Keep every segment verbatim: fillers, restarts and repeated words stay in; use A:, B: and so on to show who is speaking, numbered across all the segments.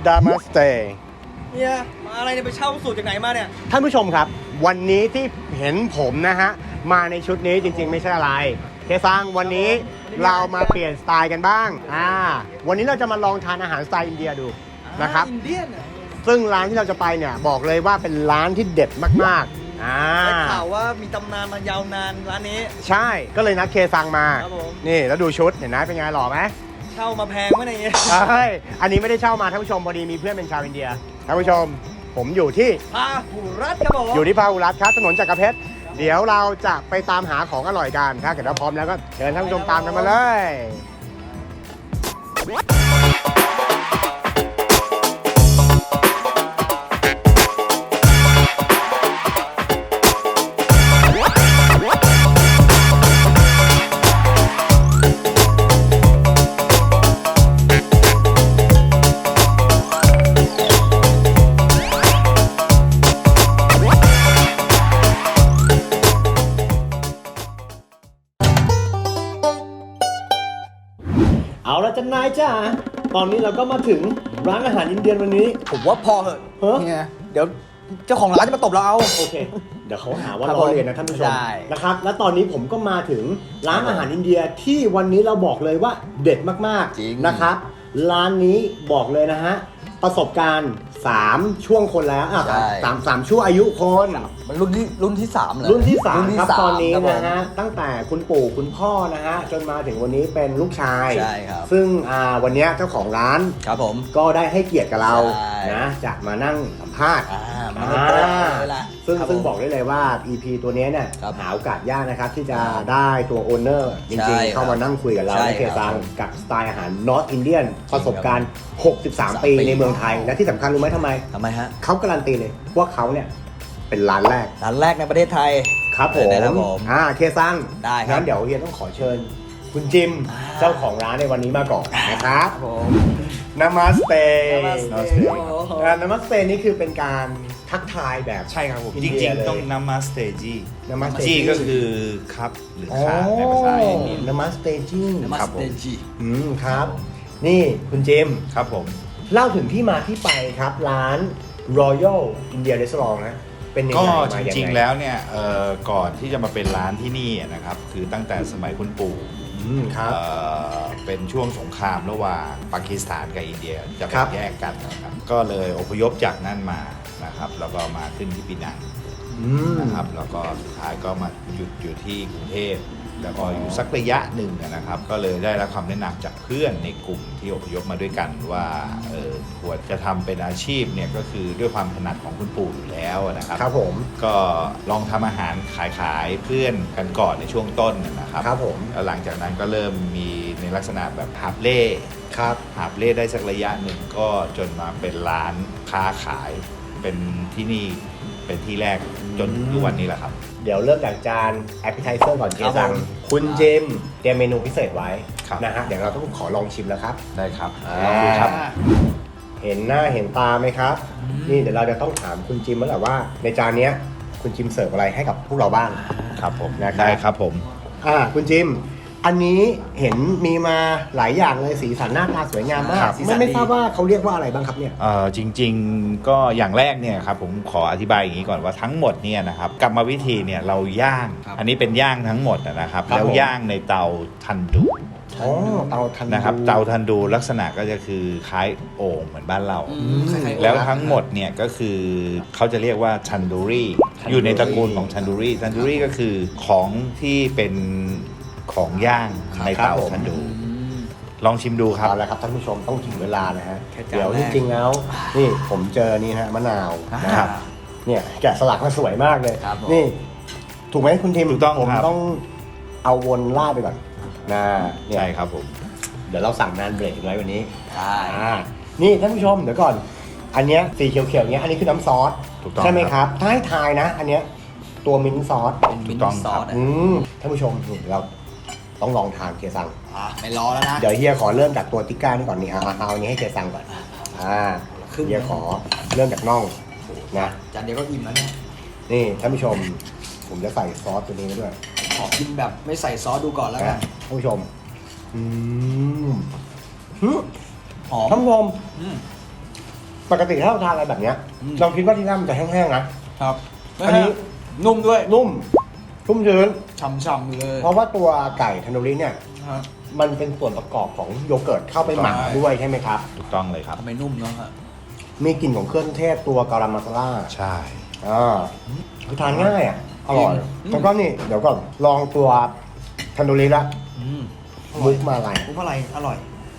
A: ดามาสเต
B: เนี่ยมาอะไรเนี่ยไปเช่าสูตรจากไหนมาเนี่ย
A: ท่านผู้ชมครับวันนี้ที่เห็นผมนะฮะมาในชุดนี้จริงๆไม่ใช่อะไรเคซังวันนี้เรามาเปลี่ยนสไตล์กันบ้างอ่าวันนี้เราจะมาลองทานอาหารสไตล์อินเดียดูนะครับ
B: อินเดียน
A: ซึ่งร้านที่เราจะไปเนี่ยบอกเลยว่าเป็นร้านที่เด็ดมากๆอ่า
B: ได้ข่าวว่ามีตำนานมายาวนานร้านนี้
A: ใช่ก็เลยนัดเคซังมา
B: ครับผม
A: นี่แล้วดูชุดเห็นไหมเป็นไงหล่อไหม
B: เช่ามาแพงไหมเนี่ย
A: ใช่อันนี้ไม่ได้เช่ามาท่านผู้ชมพอดีมีเพื่อนเป็นชาวอินเดียท่านผู้ชมผมอยู่ที่
B: พาหุรัตครับผม
A: อยู่ที่พาหุรัตครับถนนจักรเพชรเดี๋ยวเราจะไปตามหาของอร่อยกันถ้าเกิดเราพร้อมแล้วก็เชิญท่านผู้ชมตามกันมาเลยเอาละจ้านายจ้าตอนนี้เราก็มาถึงร้านอาหารอินเดียวันนี้
B: ผมว่าพอเหอะ
A: เฮ้ย
B: เดี๋ยวเจ้าของร้านจะมาตบเราเอา
A: โอเคเดี๋ยวเขาหาว่าเราเรียนนะท่านผู้ชมนะครับและตอนนี้ผมก็มาถึงร้านอาหารอินเดียที่วันนี้เราบอกเลยว่าเด็ดมากๆนะครับร้านนี้บอกเลยนะฮะประสบการณ์สามช่วงคนแล้วอ่ะสามสามช่วงอายุคน
B: มันรุ่นที่รุ่นที่สามเลย
A: รุ่นที่สามครับตอนนี้นะฮะตั้งแต่คุณปู่คุณพ่อนะฮะจนมาถึงวันนี้เป็นลูกชาย
B: ใช่ครับ
A: ซึ่งอ่าวันนี้เจ้าของร้าน
B: ครับผม
A: ก็ได้ให้เกียรติกับเรานะจะมานั่งสัมภาษณ์
B: มา
A: ซึ่งซึ่งบอกได้เลยว่า อี พี ตัวนี้เนี่ยหาโอกาสยากนะครับที่จะได้ตัวโอนเนอร์จริงๆเข้ามานั่งคุยกับเราในเคซังกับสไตล์อาหารนอร์ทอินเดียนประสบการณ์หกสิบสามปีในเมืองไทยและที่สำคัญรู้ไหมทำไม
B: ทำไมฮะ
A: เขาการันตีเลยว่าเขาเนี่ยเป็นร้านแรก
B: ร้านแรกในประเทศไทย
A: ครับผมอ่าเคซัง
B: ได้ครับ
A: งั้นเดี๋ยวเฮียต้องขอเชิญคุณจิมเจ้าของร้านในวันนี้มาก่อนนะครับผมนามาสเตนามาสเตนามาสเตนี่คือเป็นการทักทายแบบ
C: ใช่ครับผมจริงๆต้องนามาสเตจี
A: นามาสเต
C: จีก็คือครับหรือค่ะในภาษาอินเดีย
A: นามาสเตจี
B: ครับผม
A: อืมครับนี่คุณจิม
C: ครับผม
A: เล่าถึงที่มาที่ไปครับร้าน Royal India Restaurant นะเป็นยังไง
C: ก็จริงๆแล้วเนี่ยก่อนที่จะมาเป็นร้านที่นี่นะครับคือตั้งแต่สมัยคุณปู่
A: ครับ
C: เป็นช่วงสงครามระหว่างปากีสถานกับอินเดียจะแบ่งแยกกันนะครับก็เลยอพยพจากนั่นมานะครับแล้วก็มาขึ้นที่ปีนังนะครับแล้วก็สุดท้ายก็มาหยุดอยู่ที่กรุงเทพแล้วก็อยู่สักระยะหนึ่งนะครับก็เลยได้รับคำแนะนำจากเพื่อนในกลุ่มที่อพยพมาด้วยกันว่าเออควรจะทำเป็นอาชีพเนี่ยก็คือด้วยความถนัดของคุณปู่อยู่แล้วนะครับ
A: ครับผม
C: ก็ลองทำอาหารขายขายเพื่อนกันก่อนในช่วงต้นนะครับ
A: ครับผม
C: แล้วหลังจากนั้นก็เริ่มมีในลักษณะแบบหาบเล่
A: ครับ
C: หาบเล่ได้สักระยะหนึ่งก็จนมาเป็นร้านค้าขายเป็นที่นี่เป็นที่แรกจนทุกวันนี้แหละครับ
A: เดี๋ยวเริ่มจากจานแอปเปิลไทเซอร์ก่อนเจสังคุณเจมเตรียมเมนูพิเศษไว้นะฮะเดี๋ยวเราต้องขอลองชิมแล้วครับ
C: ได้ครับลองดูครับ
A: เห็นหน้าเห็นตาไหมครับนี่เดี๋ยวเราจะต้องถามคุณจิมแล้วแหละว่าในจานนี้คุณจิมเสิร์ฟอะไรให้กับพวกเราบ้าง
C: ครับผม
A: ได้
C: ครับผม
A: อ่าคุณจิมอันนี้เห็นมีมาหลายอย่างเลยสีสันหน้าตาสวยงามมากไม่ไม่ทราบว่าเขาเรียกว่าอะไรบ้างครับเนี่ย
C: เออจริงๆก็อย่างแรกเนี่ยครับผมขออธิบายอย่างนี้ก่อนว่าทั้งหมดเนี่ยนะครับกรรมวิธีเนี่ยเราย่างอันนี้เป็นย่างทั้งหมดนะครับแล้วย่างในเตาทันดู
A: อ๋อเตาทันดู
C: นะครับเตาทันดูลักษณะก็จะคือคล้ายโอ่งเหมือนบ้านเราแล้วทั้งหมดเนี่ยก็คือเขาจะเรียกว่าทันดูรี่อยู่ในตระกูลของทันดูรี่ทันดูรี่ก็คือของที่เป็นของย่างในเตาทันดูลองชิมดูครับ
A: เอาละครับท่านผู้ชมต้องถึงเวลานะฮะเดี๋ยวจริงๆแล้วนี่ผมเจอนี่ฮะมะนาวนะครับเนี่ยแกะสลักมาสวยมากเลยนี่ถูกไหมคุณทีม
C: ถูกต้อง
A: ผมต้องเอาวนล่าไปก่อนนะ
C: ใช่ครับผม
A: เดี๋ยวเราสั่งนานเบรกไว้วันนี้ใช่นี่ท่านผู้ชมเดี๋ยวก่อนอันเนี้ยสีเขียวๆเนี้ยอันนี้คือน้ำซอสใช่ไหมครับถ้าให้ทายนะอันเนี้ยตัวมิ้นท์ซอส
B: ถูกต้องครับ
A: ท่านผู้ชมเราต้องลองทานเคซัง
B: อ่ะไม่รอแล้วนะ
A: เดี๋ยวเฮียขอเริ่มจากตัวติ๊กก้านี่ก่อนนี่เอาเอาอันนี้ให้เคซังก่อนอ่าเฮียขอเริ่มจากน่องนะ
B: จานเดียวก็อิ่มแล้วเนี่ย
A: นี่ท่านผู้ชมผมจะใส่ซอสตัวนี้ไปด้วย
B: ขอกินแบบไม่ใส่ซอสดูก่อนแล้วกัน
A: ท่านผู้ชมอืม
B: หอม
A: ท่านผู้ชมปกติถ้าเราทานอะไรแบบเนี้ย
B: อืม
A: เราคิดว่าที่นั่นมันจะแห้งๆนะครับ อันนี้
B: นุ่มด้วย
A: นุ่มชุ่มชื้น
B: ฉ่ำๆเลย
A: เพราะว่าตัวไก่ทันโดริเนี่ย
B: ฮะ
A: มันเป็นส่วนประกอบของโยเกิร์ตเข้าไปหมัก
B: ใช่
A: ด้วยใช่ไหมครับ
C: ถูกต้องเลยครับ
B: ทำไมนุ่มเนาะฮะ
A: มีกลิ่นของเครื่องเทศตัวการามาซาล่า
C: ใช่
A: อ่าคือทานง่ายอ่ะ อร่อย
B: อืม
A: แล้วก็นี่เดี๋ยวก่อนลองตัวทันโดริละ
B: อืม
A: มุกมาอะไร
B: มุกอะไรอร่อย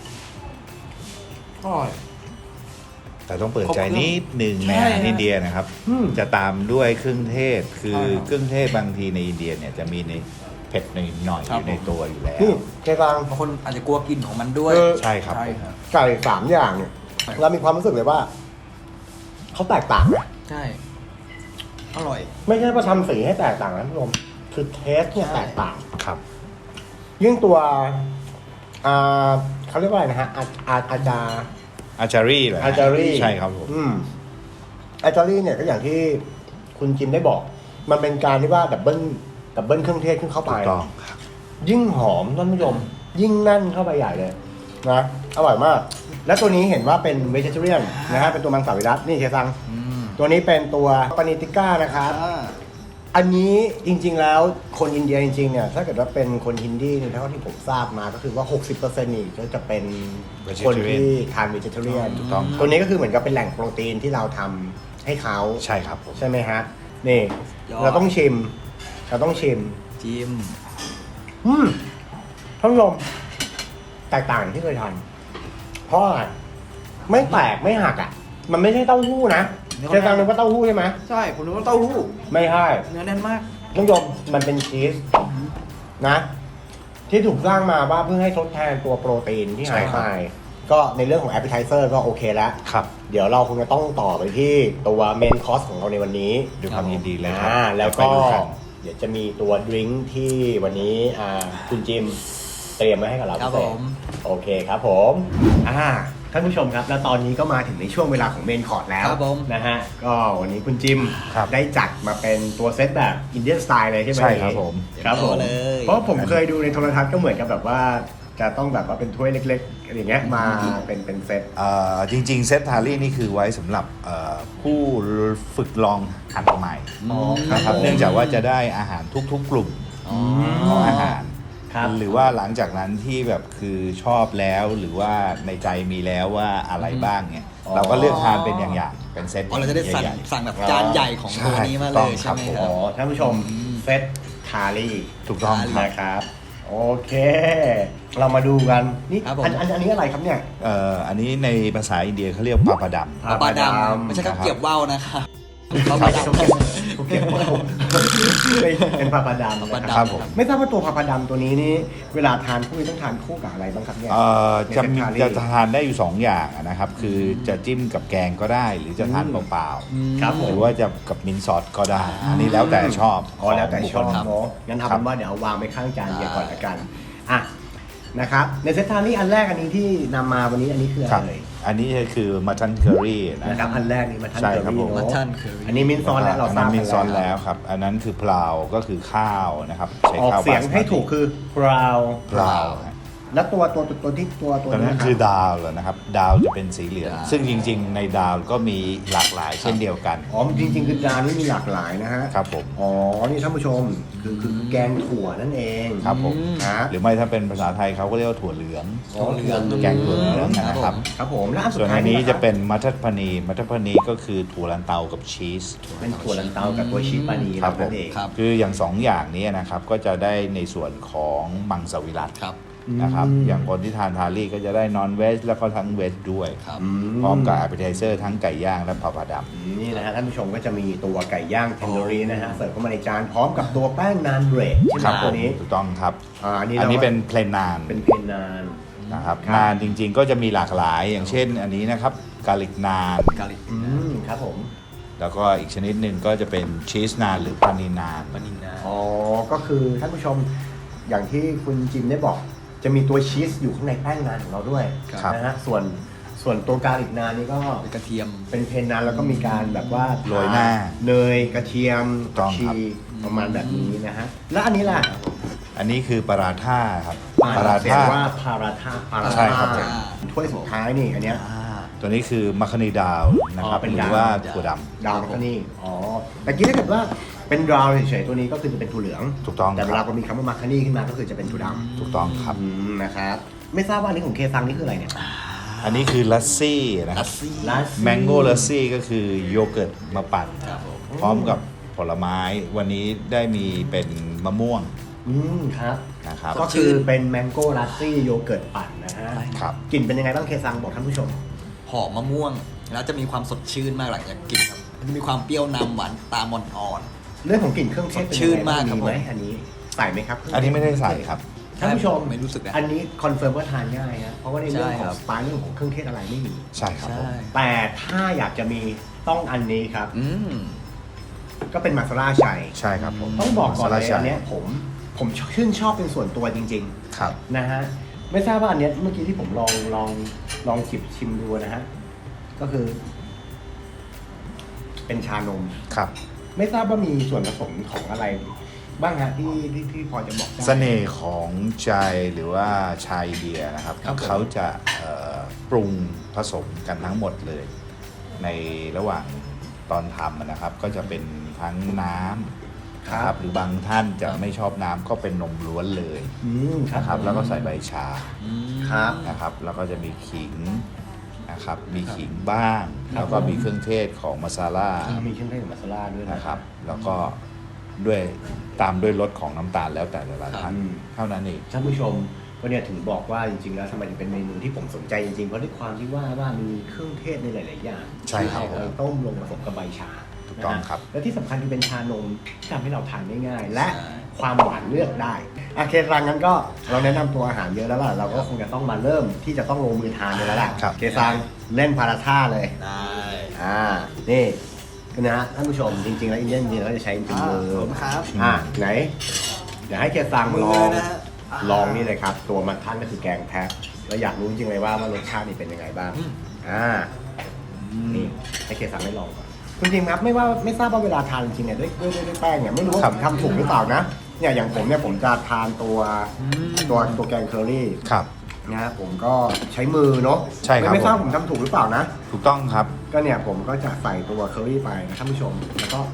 B: อร่อย
C: แต่ต้องเปิดใจ
B: ครบเครื่อง
C: นิดหนึ่งใน
B: ใช่
C: อาหาร
B: ฮะ
C: อินเดียนะครับ
A: อืม
C: จะตามด้วยเครื่องเทศ คือ
B: ใช่ครับ
C: เครื่องเทศบางทีในอินเดียเนี่ยจะมีในเผ็ดหน่อยๆ
B: ครั
C: อบ ยู่ในตัวอยู่แล้ว
A: นี่เจฟัง
B: บางคนอาจจะกลัวกลิ่นของมันด้วย
A: เออ
C: ใช่ครับ
B: ใช่ครับ
A: ไก่สามอย่างเนี่ย
B: ใช่
A: เรามีความรู้สึกเลยว่าเขาแตกต่างนะ
B: ใช่ อร่อย
A: ไม่ใช่ว่าทำสีให้แตกต่างนะผู้ชมคือเทสเนี่ย
B: ใช่
A: แตกต่าง
C: ครับ
A: ยิ่งตัวอ่าเขาเรียกว่าอะไรนะฮะอาอาอาจา
C: อาจารีเหรอฮะ
A: อาจารี
C: ใช่ครับผม
A: อืมอาจารีเนี่ยก็อย่างที่คุณจิมได้บอก มันเป็นการที่ว่าดับเบิลดับเบิลเครื่องเทศขึ้นเข้าไป
C: ถูกต้องครับ
A: ยิ่งหอมท่านผู้ชมยิ่งแนั่นเข้าไปใหญ่เลยนะอร่อยมาก และตัวนี้เห็นว่าเป็นเวจิเทเรียนนะฮะเป็นตัวมังสวิรัตนี่เชซัง
B: อืม
A: ตัวนี้เป็นตัวปานิติก้านะครับ
B: อ่า
A: อันนี้จริงๆแล้วคนอินเดียจริงๆเนี่ยถ้าเกิดว่าเป็นคนฮินดีเนี่ยเท่าที่ผมทราบมาก็คือว่า หกสิบเปอร์เซ็นต์ นี่ก็จะเป็นคนที่ทานเวจิเทเรียน
C: ถูกต้อง
A: ตัวนี้ก็คือเหมือนกับเป็นแหล่งโปรตีนที่เราทำให้เขา
C: ใช่ครับผม
A: ใช่ไหมฮะนี่
B: ยอด
A: เราต้องชิม เราต้องชิม
B: จิม
A: อืมท่านผู้ชมแตกต่างจากที่เคยทานเพราะอะไรไม่แตกไม่หักอ่ะ มันไม่ใช่เต้าหู้นะเคยฟังนึกว่าเต้าหู้ใช่ไหม
B: ใช่ ผมนึกว่าเต้าหู้
A: ไม่ใช่
B: เนื้อแน่นมาก
A: ท่านผู้ชมมันเป็นชีสนะ ที่ถูกสร้างมาว่าเพื่อให้ทดแทนตัวโปรตีนที่หายไปก็ในเรื่องของ appetizer ก็โอเคแล้ว
C: ครับ
A: เดี๋ยวเราคงจะต้องต่อไปที่ตัวเมนคอร์สของเราในวันนี้
C: ด้วยความยินดีเลยครับ
A: อ่าแล้วก็
C: ไปดูกัน
A: เดี๋ยวจะมีตัวดริงก์ที่วันนี้อ่าคุณจิมเตรียมไว้ให้กับเรา
B: ครับ
A: พิเศษ
B: ผม
A: โอเคครับผมอ่าท่านผู้ชมครับแล้วตอนนี้ก็มาถึงในช่วงเวลาของเมนคอร์สแล้ว
B: ครับผม
A: นะฮะก็วันนี้คุณจิม
C: ครับ
A: ได้จัดมาเป็นตัวเซตแบบอินเดียนสไตล์เลยใช่ไหม
C: ใช่ครับผม
A: ครับผม
B: เลย
A: เพราะผมเคยดูในโทรทัศน์ก็เหมือนกับแบบว่า จะต้องแบบว่าเป็นถ้วยเล็กๆอะไรอย่างเงี้ยมาเป็นเป็นเซต
C: เอ่อจริงๆ เซตทารี่นี่คือไว้สำหรับเอ่อผู้ฝึกลองหัดใหม่
A: อ๋อ
C: นะครับ
A: ผม
C: เนื่องจากว่าจะได้อาหารทุกๆ กลุ่ม
B: อ๋อ
C: ของอาหาร
A: ครับ
C: หรือว่าหลังจากนั้นที่แบบคือชอบแล้วหรือว่าในใจมีแล้วว่าอะไรบ้างเนี่ย
A: อ๋อ
C: เราก็เลือกทานเป็นอย่างๆเป็นเซต
B: อ๋อเราจะได้สั่ง
C: ใหญ่
B: สั่งแบบจานใหญ่ของตัวนี้มาเลยใช่ไหม
C: ใช่
B: ค
A: อ๋
B: รั
A: อบ ท่านผู้ชมเซตทารี่
C: ๆถูกต้องครับ
A: นะครับ โอเค เรามาดูกันนี่
B: ครับผม
A: อันอันอันนี้อะไรครับเนี่ย
C: เอ่ออันนี้ในภาษาอินเดียเขาเรียกปาปาดัม
A: ครับ
B: ปลาด
A: ปลาดำ
B: ำไม่ใช่ข้าว
C: นะครับ
B: เกรียบว่าวนะครับปลา
A: ไม่
B: ด
A: ใช่เขาเก็บเขาเก็บเป็นปลาปลาดำ
B: ปลา
A: นะ
B: ดำ
A: ครับ
C: ผม
A: ไม่ทราบว่าตัวปลาปลาดำตัวนี้นี่เวลาทานคู่นี้ต้องทานคู่กับอะไรบ้างครับเนี่ย
C: เอ่อจะมี
A: ในเซตทารี่
C: จะทานได้อยู่สองอย่างนะครับ คือจะจิ้มกับแกงก็ได้ หรือจะทานเปล่า
B: อืม
A: ครับ
C: ๆ
A: ผ
C: ห
A: ม
C: รือว่าจะกับมินท์ซอสก็ได้ อันนี้แล้วแต่ชอบ
A: อ๋อแล้วแต่ชอบ
C: ขงบุคคล
A: เนาะงั้นเอา
C: ครั
A: เป็
C: บ
A: นว่าเดี๋ยวเอาวางไว้ข้างจาน
B: ได้
A: เดียวก่อนละกันอ่ะนะครับในเซตทารี่อันแรกอันนี้ที่นำมาวันนี้อันนี้คืออะ
C: ค
A: ไร
C: รับ
A: เลย
C: อันนี้คือมัททันเคอรี่นะ
A: นะครับอันแรกนี่มาทัน
C: ใช่
A: เกอ
C: ครับ
A: รี่
C: ผม
A: เนาะ
B: มัททันเคอรี่
A: อันนี้มินท์ซอนแล้วเรา
C: อัน
A: ทรา
C: นั้
A: บ
C: นมินท์ซอน
A: กั
C: แล้วครับ อันนั้นคือพลาวก็คือข้าวนะครับใช้
A: ออก
C: ข้าว
A: เสียง
C: บาสมาติ
A: ให้ถูกคือ brown
C: พลาวฮะ
A: แล้วตัวตัวตัวตัวที่ตัวตัว
C: ตอนนั้น
A: ะรับ
C: คือดาวเหรอนะครับ ดาวจะเป็นสีเหลือง
B: ดาว
C: ซึ่งจริงๆ ในดาวก็มีหลากหลายเช่นเดียวกัน
A: อ๋อจริงๆคือจานนี้มีหลากหลายนะฮะ
C: ครับผม
A: อ๋อนี่ท่านผู้ชมคือคือแกงถั่วนั่นเอง
C: ครับผม
A: ฮะ
C: หรือไม่ถ้าเป็นภาษาไทยเขาก็เรียกว่าถั่วเหลือง
B: ถั่วเหลือง
C: แกงถั่วเหลืองนะครับ
A: ครับผมแล้วอันสุ
C: ส่
A: ด
C: วน
A: ท้าย
C: อันนี้
A: ค
C: จะ
A: รับ
C: เป็นมัททัพนีมัททัพนีก็คือถั่วลันเตากับชีส
A: เป็นถั่วลันเตากับตัวชีสปานี
C: ครับผ
A: นั่
C: ม
A: นเอง
B: ครับ
C: คืออย่างสองอย่างนี้นะครับก็จะได้ในส่วนของมังสวิรัติ
B: ครับ
C: นะครับ
A: อืม
C: อย่างคนที่ทานทารี่ก็จะได้นอนเวจแล้วก็ทั้งเวจด้วย
B: ครับ
A: อื
C: พร้อมกับ a p p e t i z e r ทั้งไก่ย่างและผักผาด
A: นี่นะฮะท่านผู้ชมก็จะมีตัวไก่ย่างเทนโดรีนะฮะเสิร์ฟเข้ามาในจานพร้อมกับตัวแป้งนานเบรด
C: ำ
A: ใช่
C: ครับ
A: ไหม
C: ผ
A: ตัว
C: ม
A: นี้
C: ถูกต้องครับ
A: อ่าอันนี้
C: อันนี้
A: รา
C: เป็นเพลนนาน
A: เป็นเพนนาน
C: นะครับ
A: ครับ
C: นานจริงๆ ก็จะมีหลากหลายอย่างเช่น อันนี้นะครับกาลิกนาน
B: กาลิก
A: อืมครับผม
C: แล้วก็อีกชนิดหนึ่งก็จะเป็นชีสนานหรือปานีนาน
B: ปานินา
A: อ๋อก็คือท่านผู้ชมอย่างที่คุณจิมได้บอก จะมีตัวชีสอยู่ข้างในแป้งนานของเราด้วย
C: ครับ
A: นะฮะส่วนส่วนตัวกาลิกนานนี่ก็
B: กระเทียม
A: เป็นเพนนานแล้วก็มีการแบบว่า
C: โรยหน้า
A: เนยกระเทียม
C: ถูกต้อง
A: ชี
C: ครับ
A: ประมาณแบบนี้นะฮะแล้วอันนี้ล่ะ
C: อันนี้คือปาราท่าครับ
A: ปารา
C: ท่า
A: ว่าพาราธาปารา
C: ใช่
A: ธา
C: ครับผม
A: ถ้วยสุดท้ายนี่อันเนี้ย
B: อ่า
C: ตัวนี้คือมัคคานีดาวนะครับ
A: อ๋อเป็น
C: หรื
A: ดาว
C: อว่าถั่วด
A: ดาวก็นี่อ๋อแต่กี้ถ้าเกิดว่าเป็นดาวเฉยๆตัวนี้ก็คือจะเป็นถั่วเหลือง
C: ถูกต้อง
A: แต่เว
C: ค
A: ลา
C: รับ
A: ก็มีคำว่ามาคานี่ขึ้นมาก็คือจะเป็นถั่วด
C: ำถูกต้องครับ
A: ำอืมนะครับไม่ทราบว่าอันนี้ของเคซังนี่คืออะไรเนี่ย
C: อันนี้คือลัสซี่นะค
B: ลั
C: รับ
B: สซี่
A: ลัสซี่
C: แมงโก้ลัสซี่ก็คือโยเกิร์ตมาปั่น
B: ครับผม
C: พร้อมกับผลไม้วันนี้ได้มีเป็นมะม่วง
A: อืมครับ
C: นะครับ
A: ก็คือเป็นแมงโก้ลัสซี่โยเกิร์ตปั่นนะฮะ
C: ครับ
A: กลิ่นเป็นยังไงบ้างเคซังบอกท่านผู้ชม
B: หอมมะม่วง แล้วจะมีความสดชื่นมากหลังจากกินครับมันจะมีความเปรี้ยวนำหวานตามอ่อน
A: เรื่องของกลิ่นเครื่องเทศเป็น
B: สดชื่
A: ยัง
B: น
A: ไงบ้าง
B: มากครับ
A: มีไหม
B: ผม
A: อันนี้ใส่ไหมครับ
C: อันนี้ไม่ได้ใส่ครับ
B: ๆ
A: ท่านผู้ชม
B: ไม่รู้สึกนะ
A: อันนี้คอนเฟิร์มว่าทานง่ายนะเพราะว่าในเรื่อง
B: ใช่
A: ข
B: ค
A: อ
B: รั
A: ง
B: บ
A: สไตล์เรื่องของเครื่องเทศอะไรไม่มี
C: ใช่ครับผม
B: ใช่
A: แต่ถ้าอยากจะมีต้องอันนี้ครับ
B: อืม
A: ก็เป็นมาซาล่าชัย
C: ใช่ครับผม
A: ต้องบอกก่อนเลย
C: มาซาลาชั
A: อันเนี้ยผมผมชื่นชอบเป็นส่วนตัวจริง
C: ครับ
A: ๆนะฮะไม่ทราบว่าอันเนี้ยเมื่อกี้ที่ผมลองลองลองจิบชิมดูนะฮะก็คือ เป็นชานม
C: ครับ
A: ไม่ทราบว่ามีส่วนผสมของอะไร บ้างฮะที่ที่ที่พอจะบอกได้
C: เสน่ห์ของใจหรือว่าชายอินเดียนะครับ
A: ครับผม
C: เขาจะเอ่อปรุงผสมกันทั้งหมดเลย ในระหว่างตอนทำนะครับ ก็จะเป็นทั้งน้ำนะครับหรือบางท่านจะไม่ชอบน้ำก็เป็นนมล้วนเลย
A: อืมครับ
C: นะครับ แล้วก็ใส่ใบชา
B: อืม
A: ครับ
C: นะครับ แล้วก็จะมีขิงนะครับ มีขิงบ้าง
A: ครับ
C: แล้วก็มีเครื่องเทศของมาซาล่า
A: อ่ามีเครื่องเทศของมาซาล่าด้วยนะ
C: นะครับ แล้วก็ด้วยตามด้วยรสของน้ำตาลแล้วแต่ละท่าน
A: อืม
C: เท่านั้นเอง
A: ท่านผู้ชมก็เนี่ยถึงบอกว่าจริงๆแล้วทำไมถึงเป็นเมนูที่ผมสนใจจริงๆ เพราะด้วยความที่ว่าว่ามีเครื่องเทศในหลายๆอย่าง
C: ใช่ครับ
A: ที่เอาไปต้มลงผสมกับใบชา
C: ถูกต้อง
A: นะครับ และที่สำคัญคือเป็นชานมที่ทำให้เราทานได้ง่าย และ
B: ใช่
A: ความหวานเลือกได้โอเครังนั้นก็เราแนะนำตัวอาหารเยอะแล้วล่ะเราก็คงจะต้องมาเริ่มที่จะต้องลงมือทานกันแล้วล่ะ
C: ครับ
A: เคซังเล่นพาราท่าเลย
B: ได้
A: อ่านี่นะฮะท่านผู้ชมจริงๆแล้วอินเดียนจริงๆเราจะใช้จริงๆมือ
B: ขอบคุณครับ
A: อ่าไหนเดี๋ยวให้เคซัง
B: มือ
A: ลอง
B: นะฮะ
A: ลองนี่เลยครับ ตัวมันท่านก็คือแกงแพะเราอยากรู้จริงๆเลยว่าว่ารสชาตินี่เป็นยังไงบ้าง
B: อืม
A: อ่านี่ให้เคซังได้ลองก่อนคุณจริงครับไม่ว่าไม่ทราบว่าเวลาทานจริงๆเนี่ยด้วยด้วยด้วยด้วยแป้งเนี่ยไม่รู้ว่า
C: ครั
A: ผ
C: บ
A: มทำถูกหรือเปล่านะเนี่ยอย่างผมเนี่ยผมจะทานตัวตัวตัวแกงเคอรี่
C: ครับ
A: นะฮะผมก็ใช้มือเนาะ
C: ใช่ครับ
A: ไม่ไม่ทราบ
C: ผม
A: ผมทำถูกหรือเปล่านะ
C: ถูกต้องครับ
A: ก็เนี่ยผมก็จะใส่ตัวเคอรี่ไปนะท่านผู้ชมแล้วก็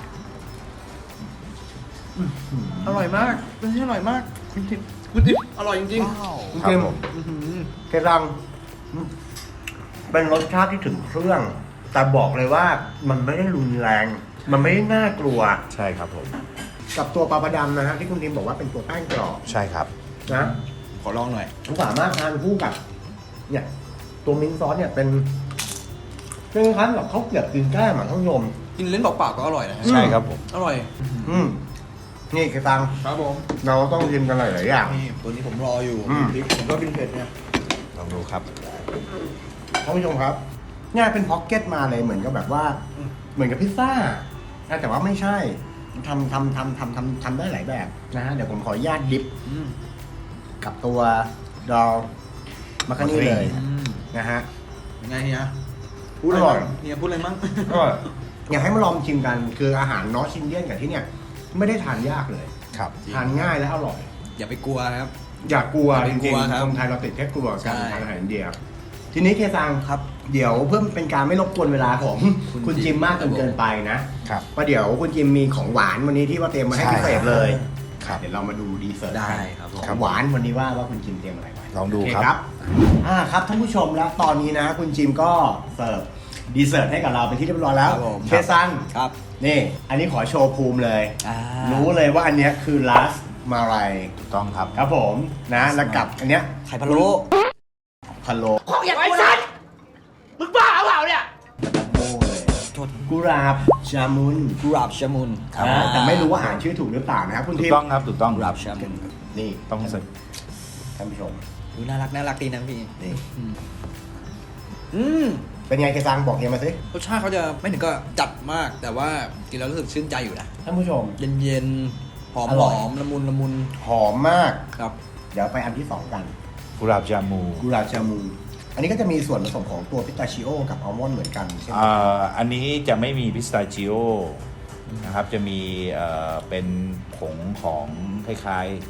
B: อร่อยมากเป็นที่อร่อยมากคุณทิพย์คุณทิพย์อร่อยจริงๆ
A: คุณ
C: ครับ
A: เกม
C: ผม
B: อื้อหือ
A: เครังอืมเป็นรสชาติที่ถึงเครื่อง แต่บอกเลยว่ามันไม่ได้รุนแรง มันไม่ได้น่ากลัว
C: ใช่ครับผม
A: กับตัวปลาประดำนะฮะที่คุณทีมบอกว่าเป็นตัวแป้งกรอบ
C: ใช่ครับ
A: นะ
B: ขอลองหน่อย
A: ผมสามารถทานคู่กับเนี่ยตัวมิ้นท์ซอสเนี่ยเป็นเป็นคล้ายๆกับข้าวเกรี๊ยวกินแก้มอ่ะท่านผู้ชม
B: กินเล่นเปล่าๆก็อร่อยนะฮะ
C: ใช่ครับผม
B: อร่อย
A: อืมนี่เคตัง
B: ครับผม
A: เราต้องชิมกันหลายๆอย่าง
B: นี่ตัวนี้ผมรออยู่
A: อืม
B: พริกผมก็กินเผ็ดเนี่ย
C: ลองดูครับ
A: ท่านผู้ชมครับเนี่ยเป็นพ็อกเก็ตมาเลยเหมือนกับแบบว่า เหมือนกับพิซซ่านะแต่ว่าไม่ใช่ทำทำทำทำทำทำได้หลายแบบนะฮะเดี๋ยวผมขออนุญาตดิฟ
B: อืม
A: กับตัวดอลมาคานี่เลย
B: อืม
A: นะฮะ
B: ยังไงเฮีย
A: พูดอร่อย
B: เฮียพูดอะไรมั้ง
A: ก็อยากให้มาลองชิมกันคืออาหารนอร์ทอินเดียนกับที่เนี่ยไม่ได้ทานยากเลย
C: ครับ
A: ทานง่ายและอร่อย
B: อย่าไปกลัวนะครับ
A: อย่ากลัว
B: อย่า
A: จ
B: ไปกลั
A: ริง
B: ว
A: ๆ
B: ครับ
A: คนไทยเราติดแค่กลัวการ
B: ใช่
A: ทานอาหารอินเดียทีนี้เคซัง
B: ครับ
A: เดี๋ยวเพื่อเป็นการไม่รบกวนเวลาของ
B: คุณ
A: คุณจิมมากจนเกินไปนะครับ เพราะเดี๋ยวคุณจิมมีของหวานวันนี้ที่ว่าเตรียมมาให้
C: ใช่
A: พิเศษเลย
C: ครับ
A: เดี๋ยวเรามาดูดีเซอร์ต
B: ได้
A: กัน
B: ครับผม
A: ของหวานวันนี้ว่าว่าคุณจิมเตรียมอะไรไว้
C: ลองดู
A: โเค
C: ครับ
A: อ่าครับท่านผู้ชมแล้วตอนนี้นะ คุณจิมก็เสิร์ฟดีเซอร์ตให้กับเราเป็นที่เรียบร้อยแล้ว
B: ครับผม
A: เคซัง
B: ครับ
A: นี่ อันนี้ขอโชว์ภูมิเลย
B: อ่า
A: รู้เลยว่าอันเนี้ยคือลาสมาลาย
C: ถูกต้องครับ
A: ครับผมนะแล้วกับอันเนี้ย
B: ไข่พะโล้
A: พะโล้
D: ของอย่างไอ้สัตว์มึงบ้าเปล่าเนี่ย
A: โอ้เลย
B: โทษ
A: กุหลาบจามุน
B: กุหลาบชามุน
C: ครับ
A: อ่าแต่ไม่รู้ว่าอ่านชื่อถูกหรือเปล่านะครับคุณ
C: ถู
A: ทิ
C: ก
A: พ
C: ต้อง
A: ย์
C: ครับ ถูกต้อง
B: กุหลาบชามุน
A: นี่
C: ต้องเสร็จ
A: ท่านผู้ชม
B: ดูน่ารักน่ารักดีนะพี่
A: นี่
B: อืมอืม
A: เป็นไงเคซังบอกเฮียมาสิ
B: รสชาติเขาจะไม่ถึงก็จัดมาก แต่ว่ากินแล้วรู้สึกชื่นใจอยู่นะ
A: ท่านผู้ชม
B: เย็นๆ หอม
A: อ
B: ห
A: ร่
B: อ
A: อย
B: มละมุนละมุน
A: หอมมาก
B: ครับ
A: เดี๋ยวไปอันที่สองกัน
C: กุหลาบจามู
A: กุหลาบจามุนอันนี้ก็จะมีส่วนผสมของตัวพิสตาชิโอกับอัลมอนด์เหมือนกันใช่ไหม
C: อ่าอันนี้จะไม่มีพิสตาชิโอนะครับ จะมีเอ่อเป็นผงของคล้ายๆ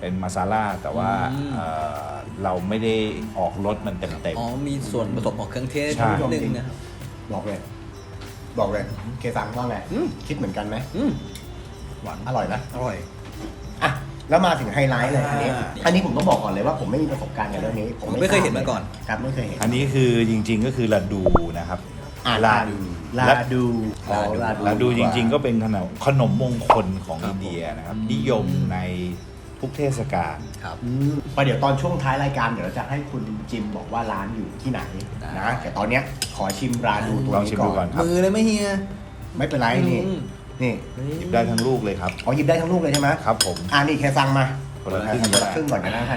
C: เป็นมาซาล่าแต่ว่า
B: อืม
C: เอ่อเราไม่ได้ออกรสมันเต็ม
B: อ๋อมีส่วนผสมของเครื่องเทศ
C: ใช่
B: นิดนึงนะครับ
A: บอกเลย บอกเลยเคซังว่าไง
B: อืม
A: คิดเหมือนกันไหม
B: อืม
A: หวานอร่อยนะ
B: อร่อย
A: อ่ะแล้วมาถึงไฮไลท์เลยอันนี้
B: อ่า
A: อันนี้ผมต้องบอกก่อนเลยว่าผมไม่มีประสบการณ์กับเรื่องนี้ ผม
B: ไม่เคยเห็นมาก่อน
A: ครับไม่เคยเห็น
C: ๆอันนี้คือจริงๆก็คือลาดูนะครับ
A: อ่า
C: ลา
A: ลาดูลาดูอ๋อลาดู
C: ลาดูจริง ๆ ก็เป็นขนมขนมมงคลของ
B: ครับ
C: อินเดียนะครับ
B: ผม
C: นิยมในทุกเทศกาล
B: ครับ
A: อืมประเดี๋ยวตอนช่วงท้ายรายการเดี๋ยวเราจะให้คุณจิมบอกว่าร้านอยู่ที่ไหน
B: ได้
A: นะแต่ตอนเนี้ยขอชิมราดูตัว
C: ลอง
A: นี้
C: ชิม
A: ก่
C: ดู
A: อ
C: ก่อน นครับ
B: มือเลยไหมเฮีย
A: ไม่เป็นไรนี่
B: อืม
A: นี่
C: หยิบได้ทั้งลูกเลยครับ
A: อ๋อหยิบได้ทั้งลูกเลยใช่ไหม
C: ครับผม
A: อ่านี่แค่สั่งมา
C: คนละครึ่ง
A: คน
C: ก็
A: ละ
C: ได้
A: ครึ่งก่อนกันนะท่าน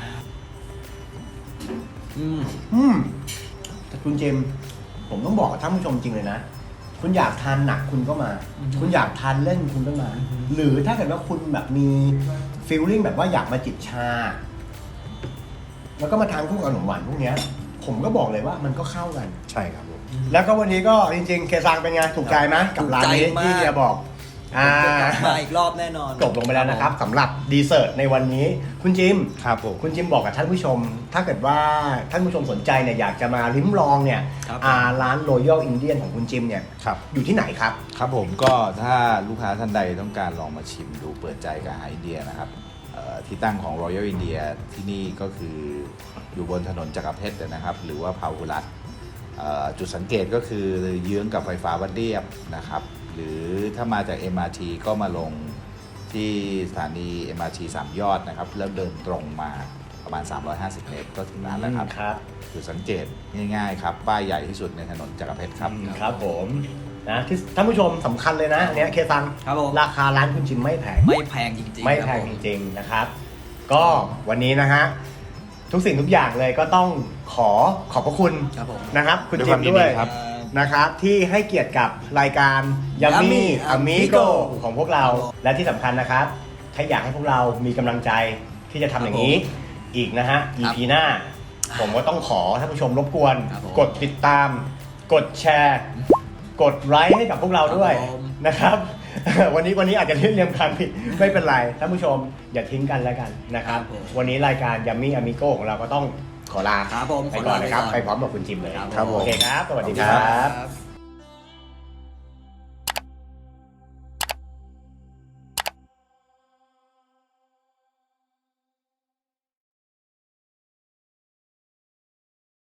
B: อืม
A: อืมแต่คุณเจมส์ผมต้องบอกกับท่านผู้ชมจริงเลยนะ คุณอยากทานหนักคุณก็มา คุณอยากทานเล่นคุณก็มา หรือถ้าเกิดว่าคุณแบบมีฟีลลิ่งแบบว่าอยากมาจิบชา แล้วก็มาทานคู่กับขนมหวานพวกเนี้ย ผมก็บอกเลยว่ามันก็เข้ากัน
C: ใช่ครับผม
A: แล้วก็วันนี้ก็จริงๆ เคซังเป็นไงถูกใจไหมกับร้านนี้
B: ถูกใจมาก
A: ที่เฮียบอกอ่า
B: จะกลับมาอีกรอบแน่นอน
A: จบลงไปแล้วนะครับสำหรับดีเซอร์ตในวันนี้คุณจิม
C: ครับผม
A: คุณจิมบอกกับท่านผู้ชม ถ้าเกิดว่าท่านผู้ชมสนใจเนี่ยอยากจะมาลิ้มลองเนี่ย
B: ครับ
A: อ่าร้าน Royal Indian ของคุณจิมเนี่ย
C: ครับ
A: อยู่ที่ไหนครับ
C: ครับผมก็ถ้าลูกค้าท่านใดต้องการลองมาชิมดูเปิดใจกับอาหารอินเดียนะครับเอ่อที่ตั้งของ Royal India ที่นี่ก็คืออยู่บนถนนจักรเพชรนะครับ หรือว่าพาหุรัตน์เอ่อจุดสังเกตก็คือเยื้องกับไฟฟ้าวัดเรียบนะครับ หรือถ้ามาจาก เอ็ม อาร์ ที ก็มาลงที่สถานี เอ็ม อาร์ ที สามยอดนะครับ แล้วเดินตรงมาประมาณ สามร้อยห้าสิบ เมตรก็ถึงร้านแล้วครับ
A: ครับ
C: จุดสังเกตง่ายๆครับป้ายใหญ่ที่สุดในถนนจักรเพชรครับ
A: ครับผมนะที่ท่านผู้ชมสำคัญเลยนะอันเนี้ยเคซัง
B: ครับผม
A: ราคาร้านคุณจิมไม่แพง
B: ไม่แพงจริงๆ
A: ไม่
B: ค
A: แพ
B: รับ
A: ง
B: ผม
A: จริงๆนะครับ ก็วันนี้นะฮะทุกสิ่งทุกอย่างเลยก็ต้องขอขอบพระคุณ
B: ครับผม
A: นะครับ คุณ
C: ด้วย
A: จิ
C: ความ
A: ม
C: ยิน
A: ด้ว
C: ดี
A: ย
C: ครับ
A: นะครับที่ให้เกียรติกับรายการ Yummy
B: Yummy
A: Amigo
B: Amigo
A: ของพวกเรา และที่สำคัญนะครับ ถ้าอยากให้พวกเรามีกำลังใจที่จะทำอย่างนี้อีกนะฮะ อี พี หน้า ผมก็ต้องขอท่านผู้ชมรบกวน
B: ครับผม
A: กดติดตาม กดแชร์ กดไลค์ให้กับพวกเราด้วย
B: ครับผม
A: นะครับ วันนี้วันนี้อาจจะเรียนเรียงคำผิดไม่เป็นไรท่านผู้ชมอย่าทิ้งกันแล้วกันนะครับ
B: ครับผม
A: วันนี้รายการ Yummy Amigo ของเราก็ต้องขอลา
B: ครับผม
A: ไปก่อนนะครับ
B: ขอลาไปก่อน
A: ไปพร้อมกับคุณจิมเลย
B: ครับ
C: ครับผม
A: โอเคครับ สวัสดีค
C: ขอบคุณ
A: รั
C: ครับ บ